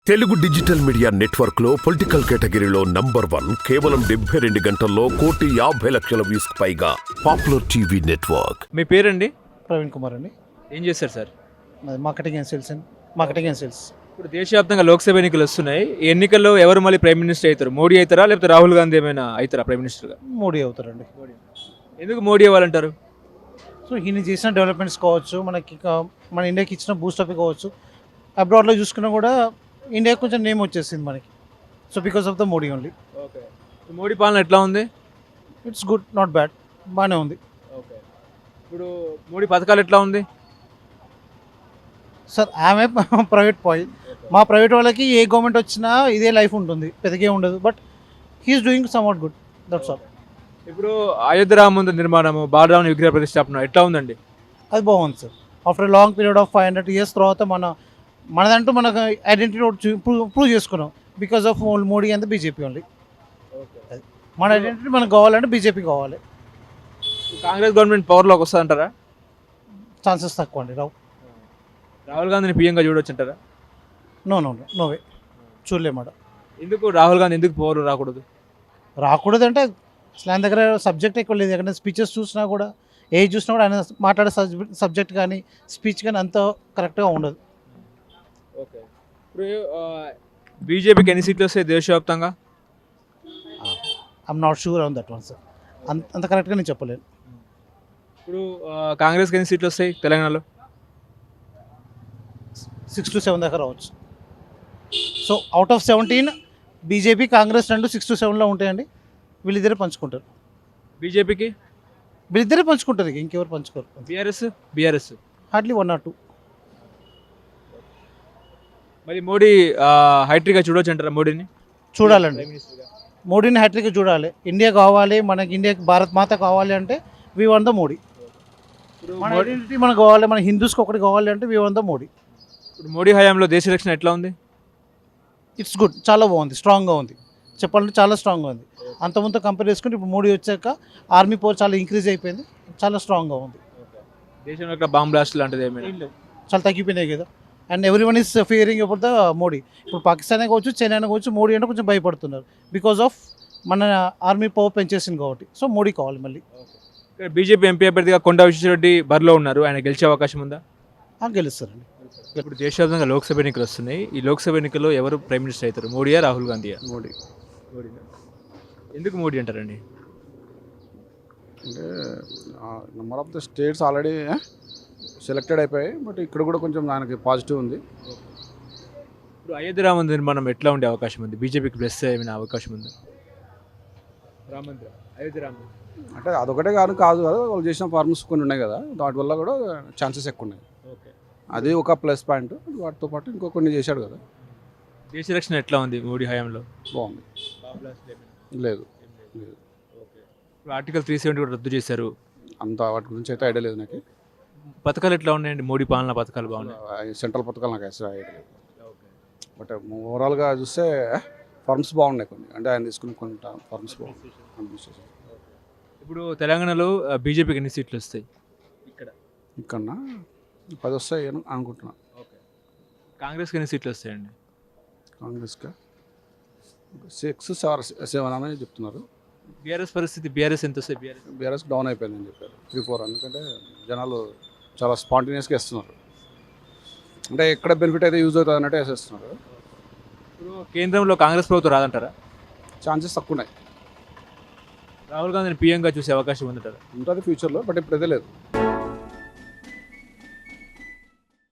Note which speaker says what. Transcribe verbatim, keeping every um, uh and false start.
Speaker 1: Telugu digital media network లో political కేటగిరీలో number one కేవలం డెబ్బై రెండు గంటల్లో కోటి యాభై లక్షల వ్యూస్ పైగా పాపులర్ టీవీ నెట్వర్క్.
Speaker 2: మీ పేరండి?
Speaker 3: ప్రవీణ్ కుమార్ అండి.
Speaker 2: ఏం చేస్తారు sir?
Speaker 3: Marketing and sales and marketing and sales.
Speaker 2: ఇప్పుడు దేశవ్యాప్తంగా లోక్సభ ఎన్నికలు వస్తున్నాయి. ఈ ఎన్నికల్లో ఎవరు మళ్ళీ ప్రైమ్ మినిస్టర్ అవుతారు? మోడీ అవుతారా లేకపోతే రాహుల్ గాంధీ ఏమైనా అవుతారా ప్రైమ్ మినిస్టర్గా?
Speaker 3: మోడీ అవుతారండి.
Speaker 2: ఎందుకు మోడీ అవ్వాలంటారు?
Speaker 3: సో ఈయన చేసిన డెవలప్మెంట్స్ కావచ్చు, మనకి కా- మన ఇండియాకి ఇచ్చిన బూస్టప్ కావచ్చు, అబ్రాడ్లో చూసుకున్నా కూడా ఇండియాకి కొంచెం నేమ్ వచ్చేసింది మనకి. So because of the Modi only.
Speaker 2: Okay. Modi పాలన ఎట్లా ఉంది?
Speaker 3: ఇట్స్ గుడ్, నాట్ బ్యాడ్, బాగానే ఉంది.
Speaker 2: ఓకే. ఇప్పుడు మోడీ పథకాలు ఎట్లా ఉంది?
Speaker 3: సార్ ఆమె ప్రైవేట్ పాయింట్, మా ప్రైవేట్ వాళ్ళకి ఏ గవర్నమెంట్ వచ్చినా ఇదే లైఫ్ ఉంటుంది, పెద్దగే ఉండదు. But he is doing somewhat good, that's all.
Speaker 2: ఇప్పుడు అయోధ్య రామ మందిర నిర్మాణము, బాలరాముని విగ్రహ ప్రతిష్టాపన ఎట్లా ఉందండి?
Speaker 3: అది బాగుంది sir. After long period of five hundred years తర్వాత మన మనదంటూ మనకు ఐడెంటిటీ ప్రూవ్ చేసుకున్నాం because of Modi and BJP only. మన ఐడెంటిటీ మనకు కావాలంటే బీజేపీ కావాలి.
Speaker 2: కాంగ్రెస్ గవర్నమెంట్ పవర్లోకి వస్తుందంటారా?
Speaker 3: ఛాన్సెస్ తక్కువ అండి, రావు.
Speaker 2: రాహుల్ గాంధీని పీఎంగా చూడొచ్చు అంటారా?
Speaker 3: నో నో నో వే, చూడలేమాట.
Speaker 2: ఎందుకు రాహుల్ గాంధీ ఎందుకు పవర్ రాకూడదు?
Speaker 3: రాకూడదు అంటే అసలు ఆయన దగ్గర సబ్జెక్ట్ ఎక్కువ లేదు. ఎక్కడ స్పీచెస్ చూసినా కూడా, ఏది చూసినా కూడా ఆయన మాట్లాడే సబ్జెక్ట్ కానీ స్పీచ్ కానీ అంత కరెక్ట్గా ఉండదు.
Speaker 2: ఓకే. ఇప్పుడు బీజేపీకి ఎన్ని సీట్లు వస్తాయి దేశవ్యాప్తంగా?
Speaker 3: I'm not sure on that one sir. అంత అంత కరెక్ట్గా నేను చెప్పలేను.
Speaker 2: ఇప్పుడు ఆ, కాంగ్రెస్కి ఎన్ని సీట్లు వస్తాయి తెలంగాణలో?
Speaker 3: సిక్స్ టు సెవెన్ దాకా రావచ్చు. So out of seventeen BJP Congress రెండు సిక్స్ టు సెవెన్లో ఉంటాయండి. వీళ్ళిద్దరే పంచుకుంటారు.
Speaker 2: బీజేపీకి?
Speaker 3: వీళ్ళిద్దరే పంచుకుంటారు, ఇక ఇంకెవరు పంచుకోరు.
Speaker 2: BRS? BRS
Speaker 3: hardly one or two.
Speaker 2: మరి మోడీ హైట్రిక్గా చూడొచ్చు అంటారా మోడీని?
Speaker 3: చూడాలండి, మోడీని హ్యాట్రిక్ చూడాలి. ఇండియా కావాలి మనకి, ఇండియాకి భారత్ మాత కావాలి అంటే వీ వన్ ద మోడీ.
Speaker 2: ఇప్పుడు
Speaker 3: మన
Speaker 2: మోడీ
Speaker 3: ఐడెంటిటీ మనకు కావాలి, మన హిందూస్కి ఒకటి కావాలి అంటే వీ వన్ ద మోడీ.
Speaker 2: ఇప్పుడు మోడీ హయాంలో దేశ రక్షణ ఎట్లా ఉంది?
Speaker 3: ఇట్స్ గుడ్, చాలా బాగుంది, స్ట్రాంగ్గా ఉంది. చెప్పాలంటే చాలా స్ట్రాంగ్గా ఉంది. అంతకుముందు కంపేర్ చేసుకుంటే ఇప్పుడు మోడీ వచ్చాక ఆర్మీ పవర్ చాలా ఇంక్రీజ్ అయిపోయింది, చాలా స్ట్రాంగ్గా ఉంది.
Speaker 2: దేశంలో ఇక్కడ బాంబ్ బ్లాస్ట్ లాంటిది ఏమైనా?
Speaker 3: చాలా తగ్గిపోయినాయి కదా. And every one is fearing about the Modi. ఇప్పుడు పాకిస్తాన్ కావచ్చు, చైనా కావచ్చు, మోడీ అంటే కొంచెం భయపడుతున్నారు బికాస్ ఆఫ్ మన ఆర్మీ పవర్ పెంచేసింది కాబట్టి. సో మోడీ కావాలి మళ్ళీ.
Speaker 2: ఇక్కడ బీజేపీ ఎంపీ అభ్యర్థిగా కొండా విశ్వేశ్వరరెడ్డి బరిలో ఉన్నారు. ఆయన గెలిచే అవకాశం ఉందా?
Speaker 3: ఆ, గెలుస్తారండి.
Speaker 2: ఇప్పుడు దేశవ్యాప్తంగా లోక్సభ ఎన్నికలు వస్తున్నాయి. ఈ లోక్సభ ఎన్నికల్లో ఎవరు ప్రైమ్ మినిస్టర్ అవుతారు? మోడీయా రాహుల్ గాంధీయా?
Speaker 4: మోడీ.
Speaker 2: మోడీ. ఎందుకు మోడీ అంటారండి?
Speaker 4: అంటే number of the states already selected అయిపోయాయి, బట్ ఇక్కడ కూడా కొంచెం దానికి పాజిటివ్ ఉంది.
Speaker 2: ఇప్పుడు అయోధ్య రామ మందిర నిర్మాణం ఎట్లా ఉండే అవకాశం ఉంది? బీజేపీకి ప్లస్ ఏమైనా అవకాశం ఉందా? రామ మందిర, అయోధ్య రామ మందిర.
Speaker 4: అంటే అదొకటే కాదు కాదు కదా, వాళ్ళు చేసిన ఫార్మ్స్ కొన్ని ఉన్నాయి కదా, వాటి వల్ల కూడా ఛాన్సెస్ ఎక్కువ ఉన్నాయి.
Speaker 2: ఓకే.
Speaker 4: అది ఒక ప్లస్ పాయింట్. వాటితో పాటు ఇంకో కొన్ని చేశాడు కదా.
Speaker 2: దేశ రక్షణ ఎట్లా ఉంది మోడీ హయాంలో?
Speaker 4: బాగుంది. లేదు లేదు
Speaker 2: ఓకే. ఇప్పుడు ఆర్టికల్ త్రీ సెవెంటీ కూడా రద్దు చేశారు.
Speaker 4: అంత వాటి గురించి అయితే ఐడియా లేదు నాకు.
Speaker 2: పథకాలు ఎట్లా ఉన్నాయండి? మోడీ పాలన పథకాలు బాగున్నాయి?
Speaker 4: సెంట్రల్ పథకాలు నాకు అసలు ఐడియా లేదు. బట్ ఓవరాల్గా చూస్తే ఫార్మ్స్ బాగున్నాయి కొన్ని. అంటే ఆయన తీసుకున్న కొన్ని ఫార్మ్స్ బాగున్నాయి. అడ్మినిస్ట్రేషన్
Speaker 2: ఇప్పుడు తెలంగాణలో బీజేపీకి ఎన్ని సీట్లు వస్తాయి? ఇక్కడ
Speaker 4: ఇక్కడ పది వస్తాయి అని అనుకుంటున్నా.
Speaker 2: ఓకే. కాంగ్రెస్కి ఎన్ని సీట్లు వస్తాయండి?
Speaker 4: కాంగ్రెస్గా సిక్స్ సెవెన్ సెవెన్ అని చెప్తున్నారు.
Speaker 2: బీఆర్ఎస్ పరిస్థితి, బీఆర్ఎస్ ఎంత వస్తాయి? బీఆర్ఎస్
Speaker 4: బీఆర్ఎస్ డౌన్ అయిపోయిందని చెప్పారు, త్రీ ఫోర్. ఎందుకంటే జనాలు చాలా స్పాంటేనియస్గా ఇస్తున్నారు. అంటే ఎక్కడ బెనిఫిట్ అయితే యూజ్ అవుతుంది అన్నట్టు వేసేస్తున్నారు.
Speaker 2: ఇప్పుడు కేంద్రంలో కాంగ్రెస్ ప్రభుత్వం రాదంటారా?
Speaker 4: ఛాన్సెస్ తక్కువ ఉన్నాయి.
Speaker 2: రాహుల్ గాంధీని పీఎంగా చూసే అవకాశం ఉందంటారా?
Speaker 4: ఉంటుంది ఫ్యూచర్లో, బట్ ఇప్పుడైతే లేదు.